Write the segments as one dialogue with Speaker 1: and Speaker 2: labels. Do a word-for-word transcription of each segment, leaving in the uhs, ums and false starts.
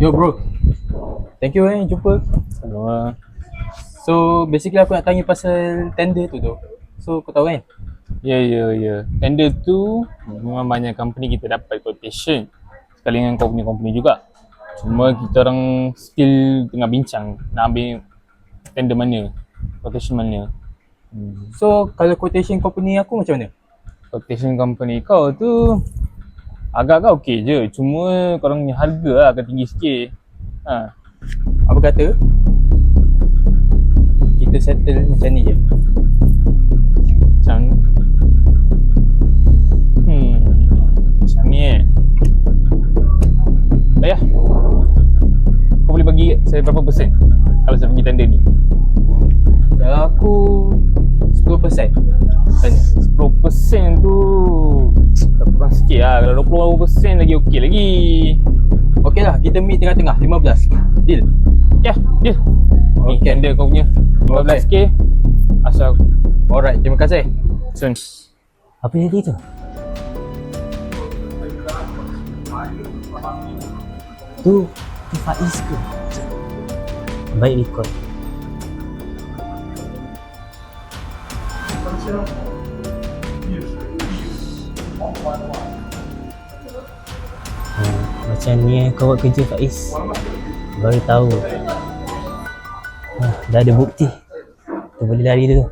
Speaker 1: Hello bro. Thank you eh jumpa.
Speaker 2: Sama.
Speaker 1: So basically aku nak tanya pasal tender tu tu. So kau tahu kan?
Speaker 2: Ya, ya, ya. Tender tu memang banyak company kita dapat quotation. Sekali dengan company-company juga. Cuma kita orang still tengah bincang nak ambil tender mana, quotation mana.
Speaker 1: Hmm. So kalau quotation company aku macam mana?
Speaker 2: Quotation company kau tu agak-agak okey je. Cuma korang punya harga lah akan tinggi sikit. Ha.
Speaker 1: Apa kata? Kita settle macam ni je.
Speaker 2: Macam Hmm Macam ni eh Ayah, kau boleh bagi saya berapa persen kalau saya pergi tender ni?
Speaker 1: Kalau aku sepuluh peratus. Tanya.
Speaker 2: sepuluh persen tu kurang sikit lah. Kalau dua puluh persen lagi okey lagi.
Speaker 1: Okey lah, kita meet tengah-tengah lima belas. Deal?
Speaker 2: Ya, deal. Ni
Speaker 1: Okay.
Speaker 2: tender kau punya lima belas K. Asal.
Speaker 1: Alright, terima kasih.
Speaker 2: Sun.
Speaker 3: Apa jadi tu? Tu, tu Faiz ke? Baik record. Hmm, macam ni eh kau buat kerja Faiz. Baru tahu. Ah, dah ada bukti. Tu boleh lari dulu.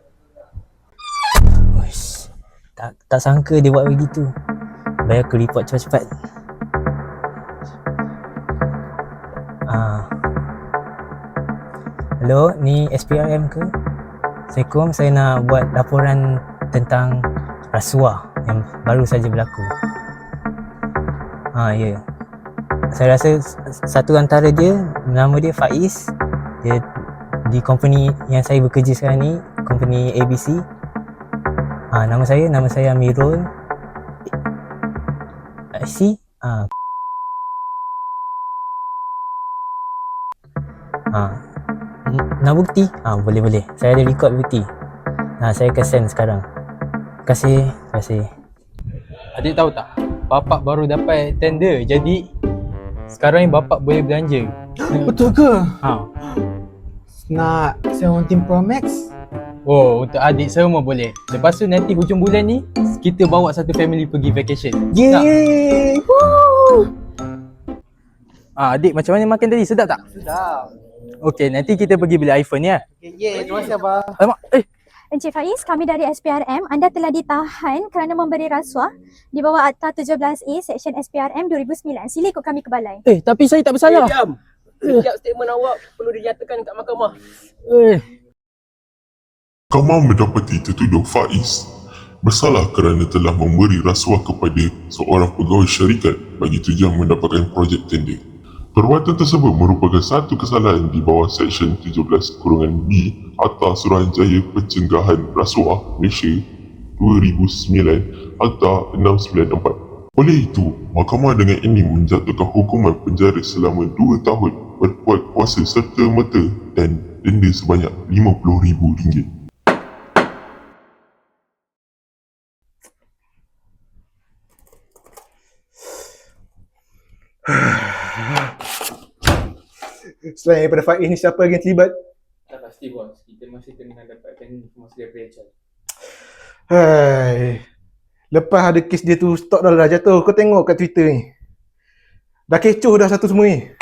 Speaker 3: Uish, tak tak sangka dia buat begitu. Baik aku report cepat-cepat. Ah. Hello, ni S P R M ke? Assalamualaikum, saya nak buat laporan tentang rasuah yang baru saja berlaku. Ha, ya. Saya rasa satu antara dia, nama dia Faiz. Dia di company yang saya bekerja sekarang ni, company A B C. Ha, nama saya, nama saya Amirul. C. Ha. Ha. Nak bukti? Ha, boleh-boleh. Saya ada record bukti. Ha, saya akan send sekarang. Terima kasih. Terima kasih.
Speaker 1: Adik tahu tak? Bapak baru dapat tender. Jadi sekarang ni bapak boleh belanja.
Speaker 4: Betul ke?
Speaker 1: Ha.
Speaker 4: Nak seventeen Pro Max?
Speaker 1: Oh, untuk adik semua boleh. Lepas tu nanti hujung bulan ni kita bawa satu family pergi vacation.
Speaker 4: Yeay! Woo!
Speaker 1: Ah, adik macam mana makan tadi? Sedap tak?
Speaker 4: Sedap.
Speaker 1: Okey, nanti kita pergi beli iPhone ya.
Speaker 4: Okay, yeay, terima kasih abah.
Speaker 1: Alamak, eh.
Speaker 5: Encik Faiz, kami dari S P R M. Anda telah ditahan kerana memberi rasuah di bawah Akta tujuh belas A Seksyen S P R M dua ribu sembilan. Sila ikut kami ke balai.
Speaker 1: Eh, tapi saya tak bersalah.
Speaker 6: Eh, diam. Setiap statement awak perlu dinyatakan kat mahkamah.
Speaker 1: Eh.
Speaker 7: Mahkamah mendapati tertuduh Faiz bersalah kerana telah memberi rasuah kepada seorang pegawai syarikat bagi tujuan mendapatkan projek tender. Perbuatan tersebut merupakan satu kesalahan di bawah Seksyen tujuh belas B Akta Suruhanjaya Pencegahan Rasuah Malaysia dua ribu sembilan Akta enam sembilan empat. Oleh itu, mahkamah dengan ini menjatuhkan hukuman penjara selama dua tahun berkuat kuasa serta merta dan denda sebanyak lima puluh ribu ringgit.
Speaker 4: Selain daripada Faiz ni, siapa lagi yang terlibat?
Speaker 2: Tak pasti bos. Kita masih tengah dapatkan informasi dari Rachel.
Speaker 4: Hai. Lepas ada kes dia tu, stok dah dah jatuh. Kau tengok kat Twitter ni. Dah kecoh dah satu semua ni.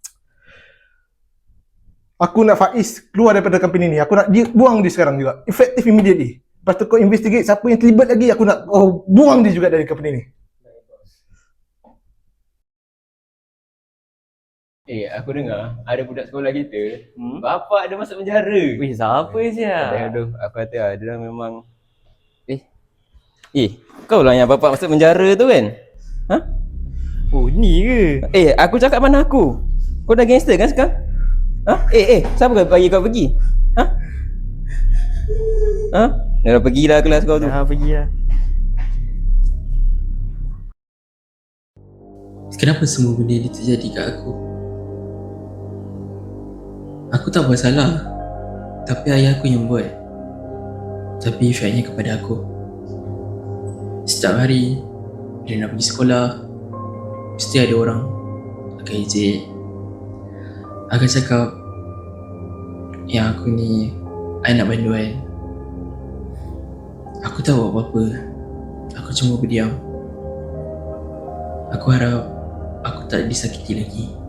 Speaker 4: Aku nak Faiz keluar daripada company ni. Aku nak dia buang dia sekarang juga. Effective immediately. Lepas tu kau investigate siapa yang terlibat lagi. Aku nak oh, buang dia juga dari company ni.
Speaker 6: Eh, aku dengar ada budak sekolah kita, hmm? bapak dia masuk penjara.
Speaker 3: Wih, siapa siap?
Speaker 6: Aduh, aku kata lah, dia memang Eh, eh, kau lah yang bapak masuk penjara tu kan? Ha?
Speaker 3: Oh, ni ke?
Speaker 6: Eh, aku cakap mana aku? Kau dah gangster kan sekarang? Ha? Eh, eh, siapa kau bagi kau pergi? Ha? Ha? Dah pergilah kelas kau tu.
Speaker 3: Ha, pergilah.
Speaker 8: Kenapa semua benda ni terjadi kat aku? Aku tak buat salah, tapi ayah aku yang buat. Tapi efeknya kepada aku. Setiap hari bila nak pergi sekolah, mesti ada orang akan ejek, Aku cakap yang aku ni, I nak bantu I. Aku tak buat apa-apa. Aku cuma berdiam. Aku harap aku tak disakiti lagi.